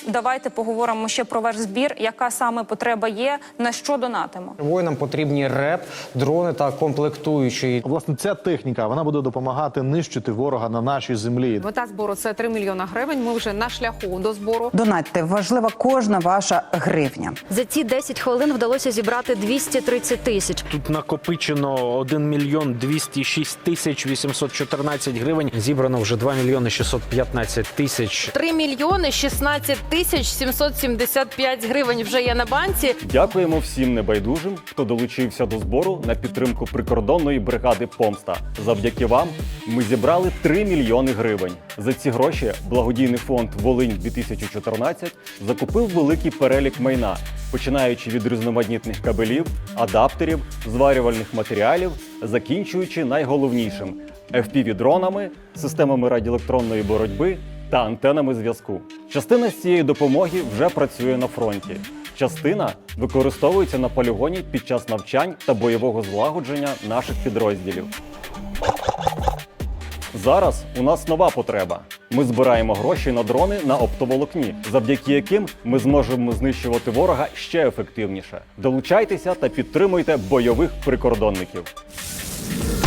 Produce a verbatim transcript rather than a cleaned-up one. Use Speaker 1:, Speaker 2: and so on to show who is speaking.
Speaker 1: давайте поговоримо ще про ваш збір, яка саме потреба є, на що донатимо.
Speaker 2: Воїнам потрібні РЕП, дрони та комплектуючі.
Speaker 3: Власне, ця техніка, вона буде допомагати нищити ворога на нашій землі.
Speaker 4: Мета збору – це три мільйона гривень. Ми вже на шляху до збору.
Speaker 5: Донатьте, важлива кожна ваша гривня.
Speaker 6: За ці десять хвилин вдалося зібрати двісті тридцять тисяч.
Speaker 7: Тут накопичено один мільйон двісті шість тисяч вісімсот чотирнадцять гривень. Зібрано вже два мільйони шістсот п'ятнадцять тисяч.
Speaker 4: три мільйони шістнадцять тисяч сімсот сімдесят п'ять гривень вже є на банці.
Speaker 8: Дякуємо всім небайдужим, хто долучився до збору на підтримку прикордонної бригади «Помста». Завдяки вам ми зібрали три мільйони гривень. За ці гроші благодійний фонд «Волинь-дві тисячі чотирнадцять» закупив великий перелік майна, починаючи від різноманітних кабелів, адаптерів, зварювальних матеріалів, закінчуючи найголовнішим – еф пі ві-дронами, системами радіоелектронної боротьби та антенами зв'язку. Частина з цієї допомоги вже працює на фронті. Частина використовується на полігоні під час навчань та бойового злагодження наших підрозділів. Зараз у нас нова потреба. Ми збираємо гроші на дрони на оптоволокні, завдяки яким ми зможемо знищувати ворога ще ефективніше. Долучайтеся та підтримуйте бойових прикордонників.